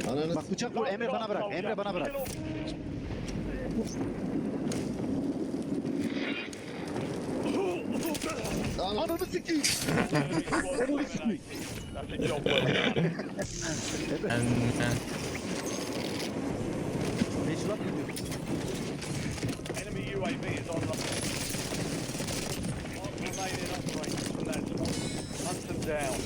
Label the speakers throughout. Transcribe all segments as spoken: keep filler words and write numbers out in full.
Speaker 1: Ananı
Speaker 2: Bak bıçak vur. Emre bana bırak. Emre bana bırak. Ananı sikeyim. Ananı sikeyim.
Speaker 3: Ben, ben.
Speaker 2: Beş laf gidiyor.
Speaker 4: Enemy U A V is online. Mark remaining operators from that spot. Hunt them down.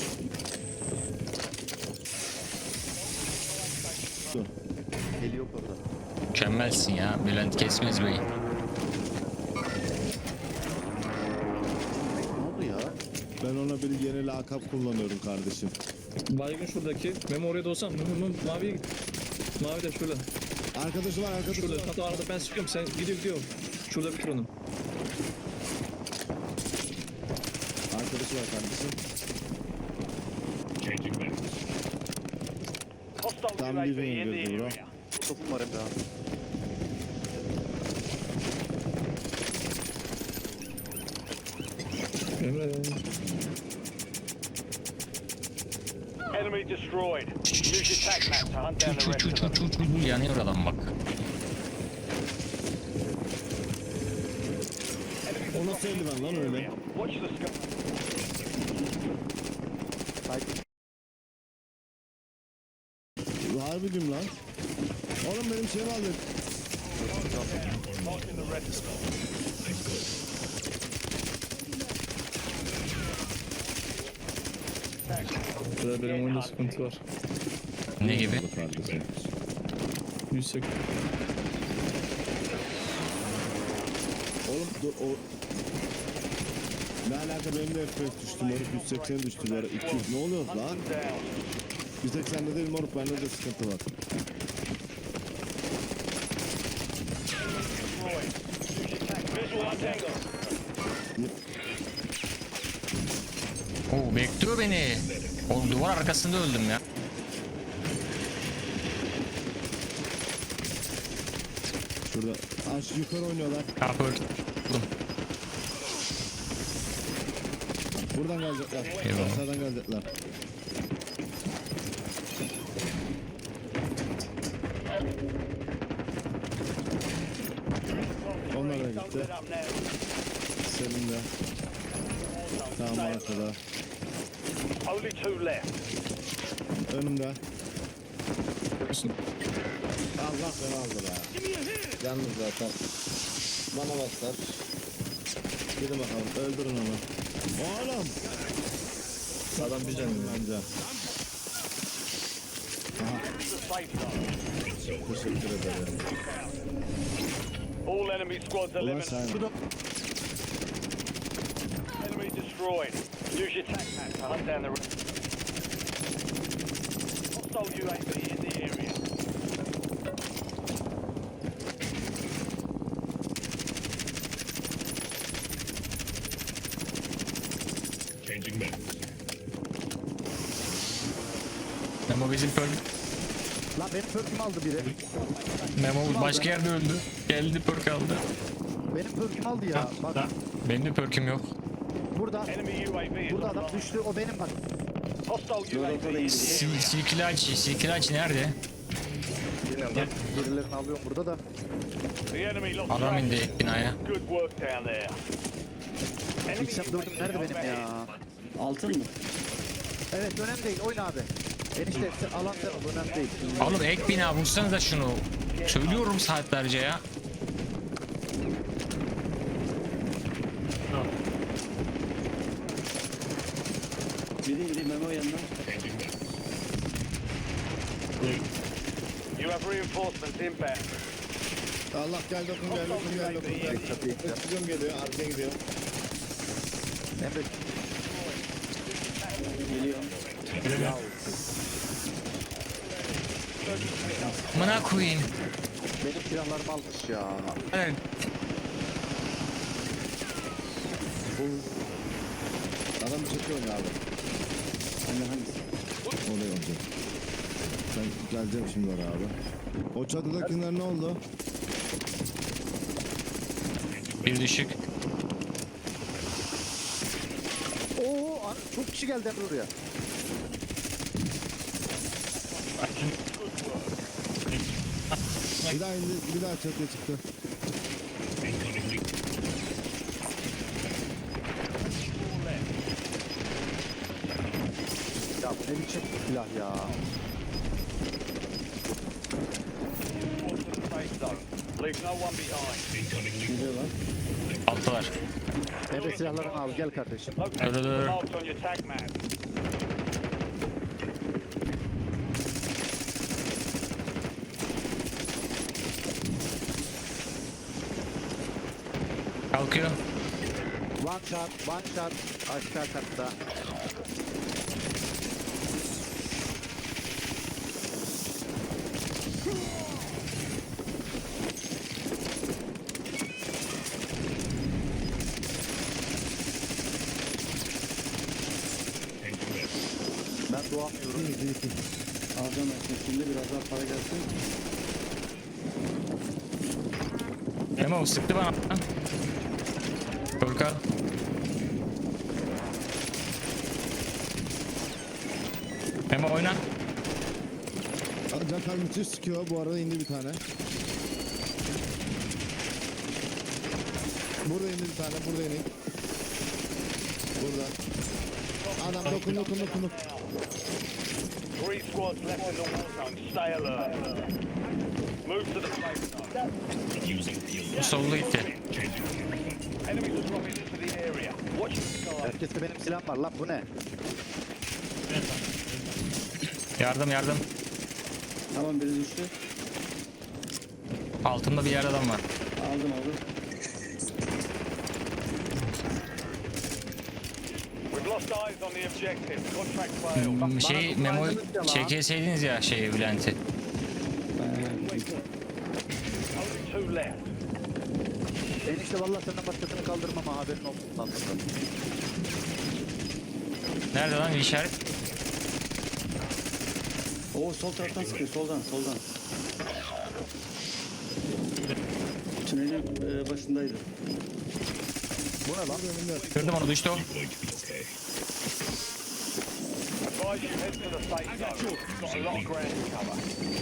Speaker 2: Eli yok orada.
Speaker 3: Mükemmelsin ya Bülent Kesmez Bey.
Speaker 2: Ne oldu ya?
Speaker 1: Ben ona bir yeni lakap kullanıyorum kardeşim.
Speaker 5: Baygın şuradaki. Memo oraya da olsam. Memo, Memo maviye git. Mavi de şurada.
Speaker 1: Arkadaşı var arkadaşı
Speaker 5: Şurada.
Speaker 1: var.
Speaker 5: Hatta arada ben sıkıyorum. Sen gidiyor gidiyor. Şurada bitir onu.
Speaker 1: Arkadaşı var kardeşim.
Speaker 4: Hostile
Speaker 1: Tam
Speaker 4: U A V
Speaker 1: dibine
Speaker 4: in the
Speaker 1: gidiyordu bro.
Speaker 4: area.
Speaker 2: Topum var Emre abi.
Speaker 5: Emre.
Speaker 4: Enemy destroyed. Use your tac map to hunt down the
Speaker 3: Çu
Speaker 4: rest
Speaker 3: çu
Speaker 4: of
Speaker 3: çu
Speaker 4: them.
Speaker 3: çu çu çu yanıyor adam bak.
Speaker 1: O nasıl eldiven lan öyle?
Speaker 4: Watch the sky.
Speaker 2: Saygı.
Speaker 1: Harbi diyorum lan. Oğlum benim şeyimi aldı.
Speaker 4: Marking the rest of them.
Speaker 5: Burada benim oyunda sıkıntı var.
Speaker 3: Ne gibi?
Speaker 1: Kardeşim.
Speaker 5: Yüksek.
Speaker 1: Oğlum dur o... Ne alaka benim de F P S düştü moruk yüz seksen düştü bu ara iki yüz ne oluyor lan?
Speaker 4: Hunt them down.
Speaker 1: yüz seksende değil moruk bende de sıkıntı var.
Speaker 4: Destroyed. Use your tac map. Visual on Tango.
Speaker 3: Oo bekliyor beni. O duvar arkasında öldüm ya.
Speaker 1: Şurada aş yukarı oynuyorlar.
Speaker 3: Kapı öldüm.
Speaker 1: Buradan gelecekler.
Speaker 3: Eyvallah.
Speaker 1: Aşağıdan gelecekler. Onlar da gitti.
Speaker 4: Set up now.
Speaker 1: Selim de. Tamam arkada.
Speaker 4: Only two left.
Speaker 1: Önümde. Allah beni aldı be. Yalnız zaten. Bana baslar. Gidin bakalım öldürün onu. Oğlum.
Speaker 5: Adam bir canım.
Speaker 1: Bence.
Speaker 4: The safe zone.
Speaker 1: Teşekkür ederim.
Speaker 4: All enemy squads
Speaker 1: Ulan
Speaker 4: eliminated.
Speaker 1: sen.
Speaker 4: Enemy destroyed. Use your tac map to hunt down the rest. Hostile U A V in the area.
Speaker 3: Memo bizim perk.
Speaker 2: Lan benim perk'ümü aldı biri.
Speaker 3: Memo başka yerde öldü. Geldi perk aldı.
Speaker 2: Benim perk'ümü aldı ya. Bak
Speaker 3: Benim de perk'üm yok.
Speaker 2: burada.
Speaker 4: Enemy U A V is
Speaker 2: Burada adam
Speaker 4: online.
Speaker 2: düştü. O benim bak.
Speaker 4: Hostile U A V in the area.
Speaker 3: Sil silkilaç, silkilaç nerede?
Speaker 2: Birilerini alıyorum burada da.
Speaker 4: The enemy lost
Speaker 3: Adam
Speaker 4: track.
Speaker 3: indi binaya.
Speaker 4: Good work down there. Enemy
Speaker 2: İlk dördüm nerede benim ya?
Speaker 6: Altın mı?
Speaker 2: Evet önemli değil. Oyna abi. Enişte sen- alan sen ol. Önemli değil.
Speaker 3: Oğlum ek bina vursanıza şunu. Söylüyorum saatlerce ya.
Speaker 6: Biri indi Memo yanına.
Speaker 4: You have reinforcements inbound.
Speaker 1: Allah gel dokun gel dokun gel dokun gel.
Speaker 2: Çatıya gideceğim.
Speaker 1: Öpücüğüm geliyor arkaya gidiyor.
Speaker 2: Emre
Speaker 6: Geliyor.
Speaker 3: Amına koyayım.
Speaker 2: benim silahlarımı almış ya.
Speaker 3: Evet.
Speaker 1: Adam çekiyor abi.
Speaker 6: Senden hangisi?
Speaker 1: Oraya olacak. Ben geleceğim şimdi oraya abi. O çatıdakiler ne oldu?
Speaker 3: Bir düşük.
Speaker 2: Oo an- çok kişi geldi Emre oraya.
Speaker 1: Bir daha indi, bir daha çatıya çıktı.
Speaker 2: Ya ne biçim silah ya.
Speaker 4: Leave no one behind.
Speaker 6: Geliyorlar.
Speaker 3: Alttalar.
Speaker 2: Emre silahlarını al gel kardeşim.
Speaker 4: Locate
Speaker 3: Dur, dur,
Speaker 4: the
Speaker 3: dur.
Speaker 4: marks on your tag map.
Speaker 3: Kalkıyor.
Speaker 2: One shot, one shot. Aşağı katta. Ben doğamıyorum.
Speaker 1: İyi, iyi, iyi.
Speaker 6: Alacağım ben şimdi biraz daha para gelsin.
Speaker 3: Memo sıktı bana. Korkal. Memo oyna.
Speaker 1: Can müthiş sıkıyor. Bu arada indi bir tane. Burada indi bir tane. Burada indi. Burada. Adam dokun dokun dokun.
Speaker 4: Three squads left in the war zone. Stay alert. Move to the safe zone.
Speaker 3: Solda gitti.
Speaker 4: Enemies are dropping into the area. Watch the sky.
Speaker 2: Herkeste benim silahım var lan bu ne?
Speaker 3: Yardım yardım.
Speaker 6: Tamam biri düştü.
Speaker 3: Altımda bir yerde adam var.
Speaker 6: Aldım aldım.
Speaker 4: We've lost eyes on the objective. Contract failed.
Speaker 3: Hmm, Şey Memo çekeseydiniz ya şeyi Bülent'i.
Speaker 4: Only two left.
Speaker 2: Enişte vallahi senden başkasını kaldırmam ha haberin olsun lan.
Speaker 3: Nerede lan işaret?
Speaker 6: Oo sol taraftan sıkıyor soldan soldan. Tünelin e, başındaydı.
Speaker 2: Bu ne lan?
Speaker 3: Gördüm onu düştü o.
Speaker 4: Advise you head to the safe zone. Got a lot of ground to cover.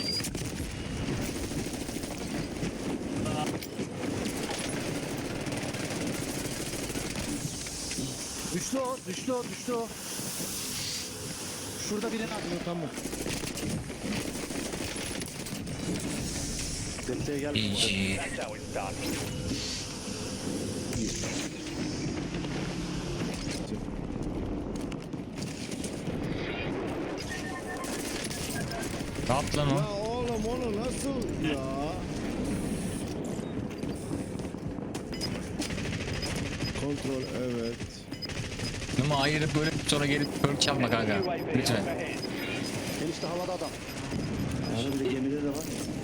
Speaker 2: Düştü o, düştü o, düştü o. Şurada birini atıyor.
Speaker 1: Tamam.
Speaker 2: Desteğe gel.
Speaker 3: İyi.
Speaker 4: That's how it's done.
Speaker 3: Ne yaptı lan o?
Speaker 1: Ya oğlum onu nasıl ya? Kontrol evet.
Speaker 3: Memo ayırıp böyle sonra gelip perk çalma kanka.
Speaker 4: U A V
Speaker 3: Lütfen.
Speaker 4: overhead.
Speaker 2: Enişte havada adam.
Speaker 6: Arada bir de gemide de var.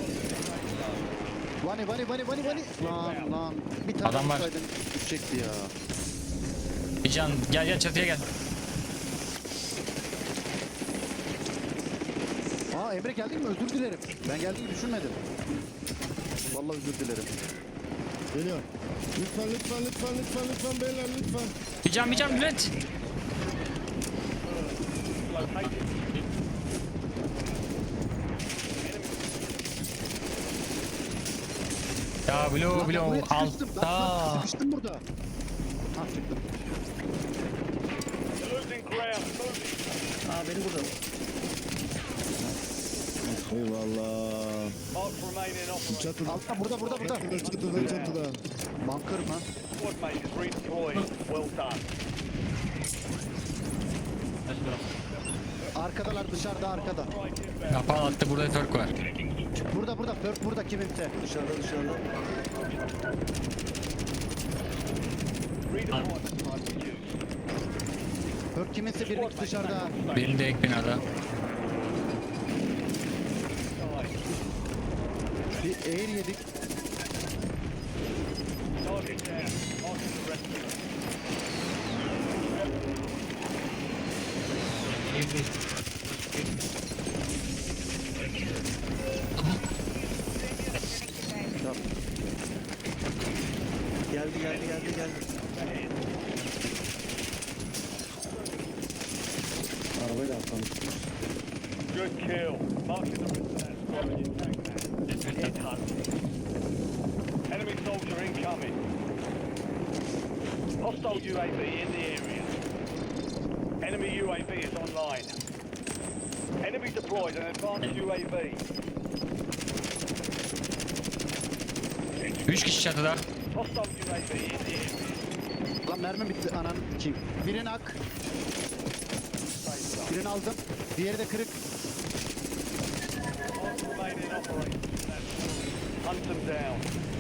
Speaker 2: Vani vani vani vani vani. Lan lan. Bir tane
Speaker 3: Adam var.
Speaker 2: vursaydın düşecekti ya.
Speaker 3: Bir can gel gel çatıya gel.
Speaker 2: Aa Emre geldin mi? Özür dilerim. Ben geldiğini düşünmedim. Vallahi özür dilerim.
Speaker 1: Geliyor. Lütfen lütfen lütfen lütfen lütfen beyler lütfen.
Speaker 3: Bir can bir can Bülent. Ya Blue
Speaker 2: Lan ben
Speaker 3: Blue
Speaker 2: buraya sıkıştım. Lan, lan,
Speaker 3: altta.
Speaker 2: sıkıştım burada. Ha çıktım.
Speaker 4: You're losing ground. Moving.
Speaker 6: Aa beni burada.
Speaker 1: Eyvallah.
Speaker 4: Marks remaining operating.
Speaker 1: Çatıda.
Speaker 2: Altta burada burada burada.
Speaker 1: Çatıda çatıda çatıda.
Speaker 2: Bunker mı?
Speaker 4: Squad mate is redeployed. Well done.
Speaker 2: Arkadalar dışarıda arkada.
Speaker 3: Kapağı attı burada perk var.
Speaker 2: Burada burada Perk burada kimimse.
Speaker 6: Dışarıda dışarıda.
Speaker 4: Redeployment device used.
Speaker 2: Perk kiminse birini dışarıda.
Speaker 3: Benim de ek binada.
Speaker 2: Bir air yedik.
Speaker 4: Target down. Marking the rest of them.
Speaker 6: Geldi geldi geldi geldi. Arabayla atlamış.
Speaker 4: Good kill. Marking the rest of that squad and you take that. Headhunt. Enemy soldier incoming. Hostile U A V in the area. Enemy U A V is online. Enemy deployed an advanced U A V.
Speaker 3: Üç kişi çatıda.
Speaker 4: Hostile U A V in the area.
Speaker 2: Lan mermi bitti anan kim? Birini ak. Birini aldım. Diğeri de kırık.
Speaker 4: Remain in operation. Hunt them down.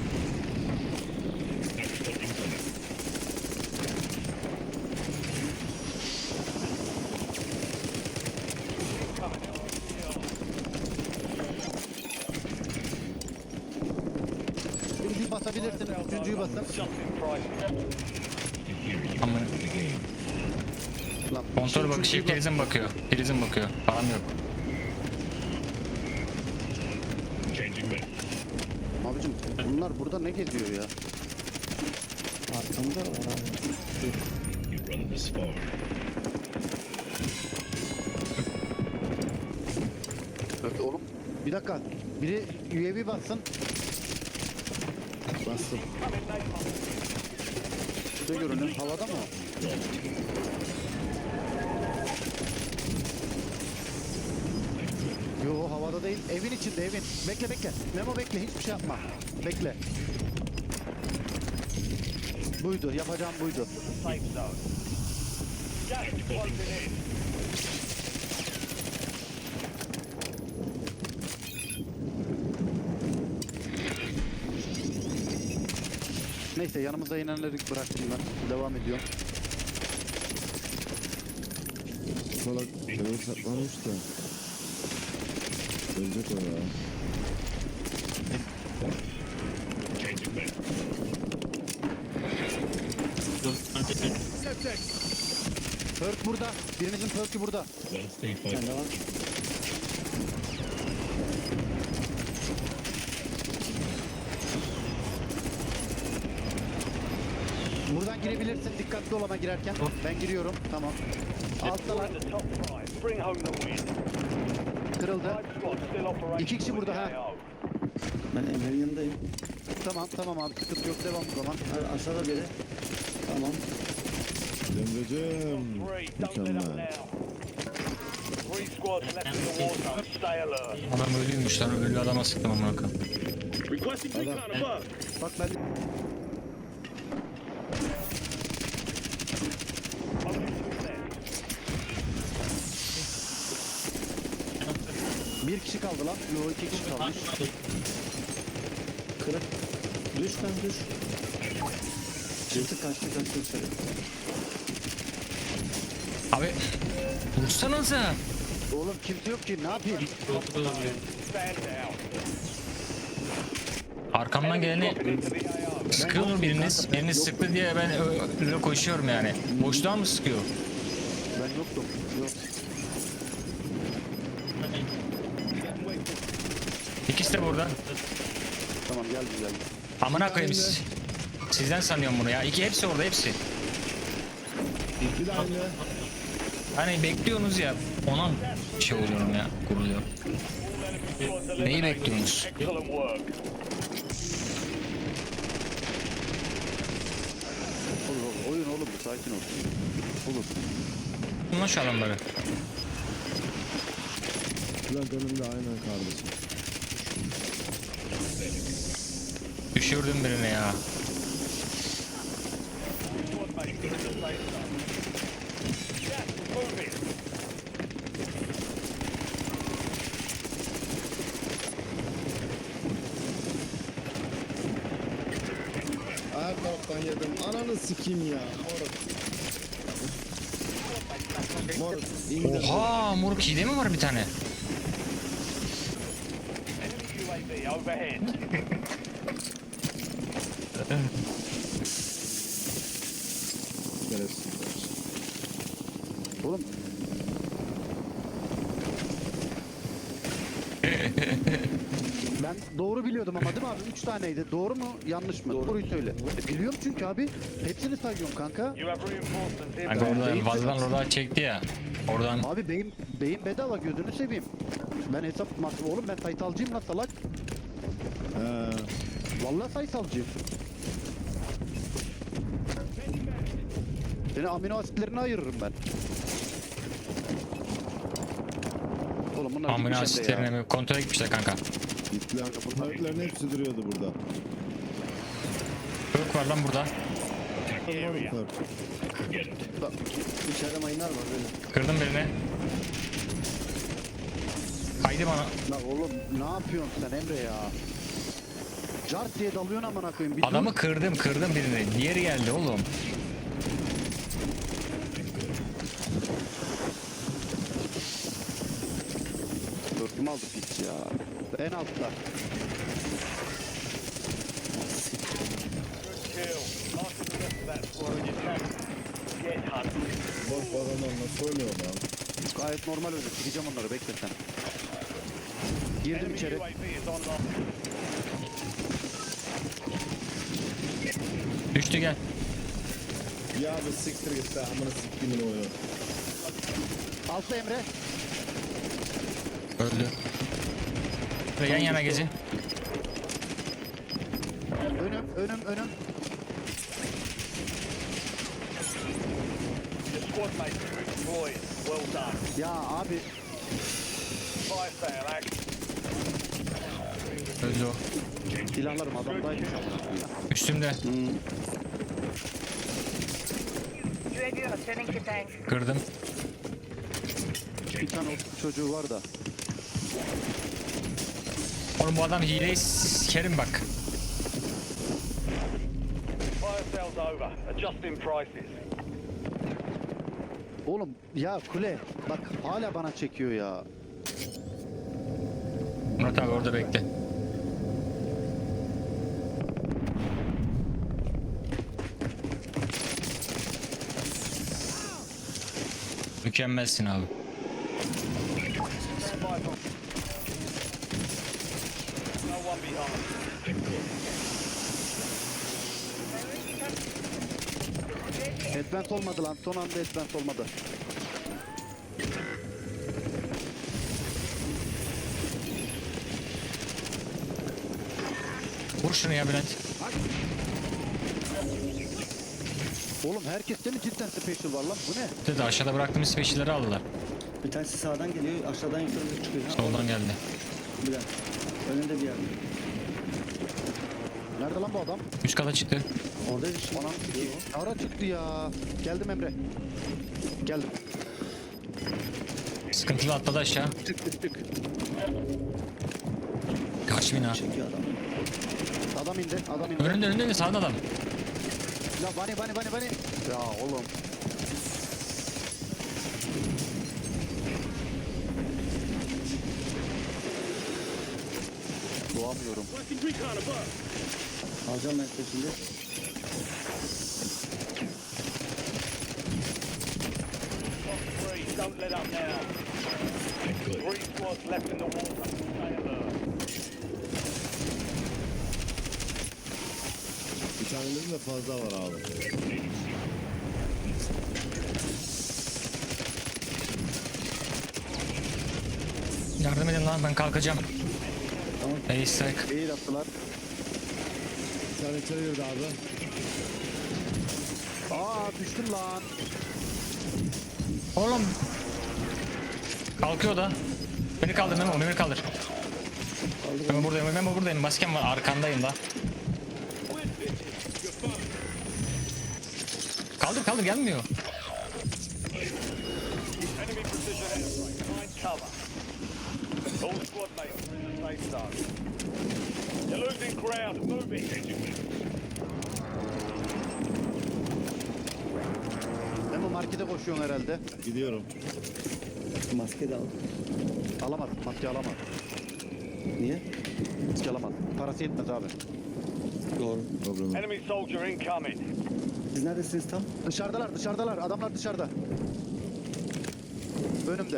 Speaker 2: Birinci basabilirsiniz. Üçüncüyü basın.
Speaker 4: Justin Price.
Speaker 3: Aman.
Speaker 2: Lan,
Speaker 3: Kontrol
Speaker 2: üçüncüyü
Speaker 3: bakışı
Speaker 2: bas.
Speaker 3: prizm bakıyor. Prizm bakıyor. Param yok.
Speaker 2: Abicim bunlar burada ne geziyor ya?
Speaker 6: Arkamda var abi.
Speaker 2: Evet oğlum. Bir dakika. Biri U A V bassın.
Speaker 1: Bastım.
Speaker 2: Şurada görünüyor. Havada mı? Yo havada değil. Evin içinde evin. Bekle bekle. Memo bekle. Hiçbir şey yapma. Bekle. Buydu. Yapacağım buydu.
Speaker 4: Safe zone. Gas is closing in.
Speaker 2: Neyse yanımıza inenleri bıraktım ben. Devam ediyorum.
Speaker 1: Salak kenara saklanmış da. Ölecek o ya.
Speaker 2: Perk burada. Birimizin perk'ü burada.
Speaker 6: Sende var.
Speaker 2: Buradan girebilirsin. Dikkatli ol ama girerken. Ben giriyorum. Tamam. Alttalar.
Speaker 4: We're in the top five. Bring home the win.
Speaker 2: Kırıldı.
Speaker 4: Five squads still operational.
Speaker 2: İki kişi burada, ha.
Speaker 4: with K O.
Speaker 6: Ben Emre'nin yanındayım.
Speaker 2: Tamam tamam abi. Sıkıntı yok. Devam o zaman.
Speaker 6: Ha, aşağıda biri. Tamam.
Speaker 1: Emre'cim.
Speaker 4: Three, don't let up
Speaker 1: Mükemmel.
Speaker 4: now. Three squads left in the war zone. Stay alert.
Speaker 3: Adam ölüymüş lan. Ölü adama sıktım amına koyayım.
Speaker 2: Bak ben bir kişi kaldı lan. Yo iki kişi kalmış.
Speaker 6: Kırık. Düş lan düş. Çıktı kaçtı kaçtı dışarı.
Speaker 3: Abi. Vursanıza.
Speaker 2: Oğlum kimse yok ki. Ne yapayım?
Speaker 4: Stand down.
Speaker 3: Arkamdan geleni
Speaker 4: Into the A O.
Speaker 3: sıkıyor mu biriniz? Biriniz sıktı diye ben ö- öyle koşuyorum yani. Boşluğa mı sıkıyor?
Speaker 2: Ben yoktum. Yok.
Speaker 3: İkisi de burada.
Speaker 2: Tamam geldi geldi.
Speaker 3: Amına koyayım siz. Sizden sanıyorum bunu ya. İki hepsi orada hepsi.
Speaker 1: Bir de aynı.
Speaker 3: Hani bekliyorsunuz ya. Ona şey oluyorum ya. Kuruluyor.
Speaker 4: Squads
Speaker 3: Neyi
Speaker 4: eliminated.
Speaker 3: bekliyorsunuz?
Speaker 4: Excellent work.
Speaker 2: Olur olur. Oyun oğlum bu. Sakin ol. Olur.
Speaker 3: Bunlar şu adamları.
Speaker 1: Bülent önümde aynen kardeşim.
Speaker 3: Düşürdüm birini ya.
Speaker 4: Squad mates in the safe zone. Gas is moving.
Speaker 1: Her taraftan yedim. Ananı sikeyim ya. Moruk. Moruk. İngiliz.
Speaker 3: Oha moruk hile mi var bir tane?
Speaker 4: Enemy U A V overhead.
Speaker 1: Şerefsizler.
Speaker 2: Oğlum. Ben doğru biliyordum ama değil mi abi? Üç taneydi. Doğru mu? Yanlış mı? Doğruyu söyle. E, biliyorum çünkü abi. Hepsini sayıyorum kanka.
Speaker 4: You have reinforcements
Speaker 3: Kanka
Speaker 4: inbound.
Speaker 3: oradan fazladan oradan çekti ya. Oradan
Speaker 2: Abi beyin, beyin bedava gözünü seveyim. Ben hesap oğlum ben sayısalcıyım lan salak.
Speaker 1: He.
Speaker 2: Vallahi sayısalcıyım. Seni amino asitlerine ayırırım ben. Oğlum bunlar
Speaker 3: Amına
Speaker 2: gitmiş hem de ya.
Speaker 3: asitlerine mi? Kontrol gitmişler kanka.
Speaker 1: Gittiler. Bunların hepsi duruyordu burada.
Speaker 3: Yok var lan burada.
Speaker 4: Area.
Speaker 1: Bak,
Speaker 6: İçeride mayınlar var böyle.
Speaker 3: Kırdım birini. Haydi bana.
Speaker 2: La oğlum ne yapıyorsun sen Emre ya? Cart diye dalıyorsun amına koyayım. Bir dur.
Speaker 3: Adamı kırdım kırdım birini. Diğeri geldi oğlum.
Speaker 2: Dörtümü aldı piç ya. En altta.
Speaker 4: Kill. After the rest of that squad, you can get hunted.
Speaker 1: bak bu adamlar nasıl oynuyor lan?
Speaker 2: Gayet normal öyle. Sikeceğim onları bekle sen. Girdim
Speaker 4: Enemy
Speaker 2: içeri.
Speaker 4: U A V is online.
Speaker 3: Düştü gel.
Speaker 1: Ya bu siktir git be amına siktimin oyunu.
Speaker 2: Altta Emre.
Speaker 3: Öldü. Ve yan yana gezin.
Speaker 2: Önüm önüm önüm.
Speaker 4: Your squad mates are deployed. Well done.
Speaker 2: Ya abi
Speaker 4: Fire sale action.
Speaker 3: Öldü o.
Speaker 2: silahlarım adamdaymış amına koyayım.
Speaker 3: Üstümde.
Speaker 7: U A V returning to tank.
Speaker 3: Kırdım.
Speaker 2: Bir tane o çocuğu var da.
Speaker 3: Oğlum bu adam hileyi sikerim bak.
Speaker 4: Fire sale's over. Adjusting prices.
Speaker 2: Oğlum ya kule bak hala bana çekiyor ya.
Speaker 3: Murat abi orada bekle. Mükemmelsin abi.
Speaker 4: Stand by for. No one behind.
Speaker 2: Advance olmadı lan son anda advance olmadı.
Speaker 3: Vur şunu ya Bülent.
Speaker 2: Oğlum herkeste mi cidden special var lan bu ne?
Speaker 3: Dedi aşağıda bıraktığımız special'leri aldılar.
Speaker 6: Bir tanesi sağdan geliyor, aşağıdan yukarı çıkıyor. Ha,
Speaker 3: Soldan geldi.
Speaker 6: Bir dakika. Önünde bir yerde.
Speaker 2: Nerede lan bu adam?
Speaker 3: Üst kata çıktı.
Speaker 6: Oradaydı şimdi.
Speaker 2: Anam ara çıktı ya. Geldim Emre. Geldim.
Speaker 3: Sıkıntılı atladı aşağı.
Speaker 2: Çık çık çık.
Speaker 3: Kaç bina.
Speaker 6: Çekiyor adam.
Speaker 2: Adam indi adam indi.
Speaker 3: Önünde önünde sağda adam.
Speaker 2: Ya bani bani bani bani. Ya oğlum. Doğamıyorum.
Speaker 6: Alacağım ben şimdi.
Speaker 4: Three, don't let up now. Three squads left in the water. Stay alert.
Speaker 1: Bir tanemizin de fazla var abi.
Speaker 3: Yardım edin lan ben kalkacağım.
Speaker 6: Tamam.
Speaker 3: Hey strike.
Speaker 2: İyi attılar.
Speaker 1: Bir tane içeri girdi abi.
Speaker 2: Aa düştüm lan.
Speaker 3: Oğlum. Kalkıyor da. Beni kaldır Memo, beni kaldır. Memo buradayım, Memo buradayım. Maskem var, arkandayım da. Kaldır kaldır gelmiyor.
Speaker 4: Enemy precision airstrike. Find cover. All squad mates are in the safe zone. You're losing ground. Move it.
Speaker 2: Memo markete koşuyorsun herhalde.
Speaker 1: Gidiyorum.
Speaker 6: Maske de al.
Speaker 2: Alamaz. Maske alamaz.
Speaker 6: Niye?
Speaker 2: Maske alamaz. Parası yetmez abi.
Speaker 6: Doğru.
Speaker 1: Problem yok.
Speaker 4: Enemy soldier incoming.
Speaker 6: Siz neredesiniz tam?
Speaker 2: Dışarıdalar dışarıdalar. Adamlar dışarıda. Önümde.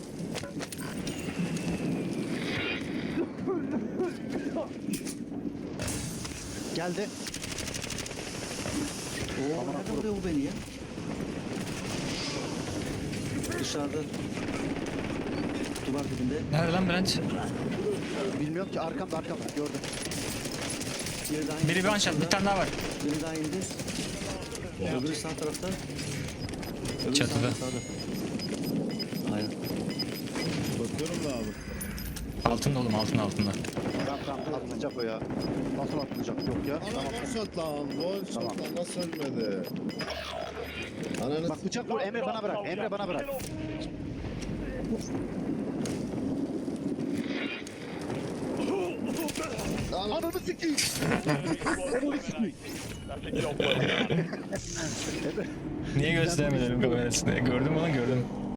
Speaker 2: Geldi.
Speaker 6: Oo,
Speaker 2: Aman
Speaker 6: nerede
Speaker 2: Allah'ım.
Speaker 6: vuruyor bu beni ya? Dışarıda. Duvar var dibinde.
Speaker 3: Nerede lan Bülent?
Speaker 2: Bilmiyorum ki arkamda arkamda gördüm.
Speaker 6: Biri daha indi.
Speaker 3: Biri bir one shot, bir tane daha var.
Speaker 6: Biri daha indi. Öbürü sağ tarafta. Öbürü
Speaker 3: Çatıda.
Speaker 6: Sağda, sağda. Aynen.
Speaker 1: Bakıyorum da abi.
Speaker 3: Altında oğlum, altında altında.
Speaker 2: Tamam tamam atlayacak o ya. Nasıl atlayacak yok ya.
Speaker 1: Ana
Speaker 2: Tamam.
Speaker 1: one shot lan. One shot
Speaker 2: Tamam.
Speaker 1: lan. Nasıl ölmedi? Ananı
Speaker 2: Bak bıçak vur Emre bana bırak. Emre bana bırak. Ananı sikeyim. Ananı sikeyim.
Speaker 4: That's a job well done.
Speaker 3: Niye göstermedim kamerasını? Gördüm onu gördüm.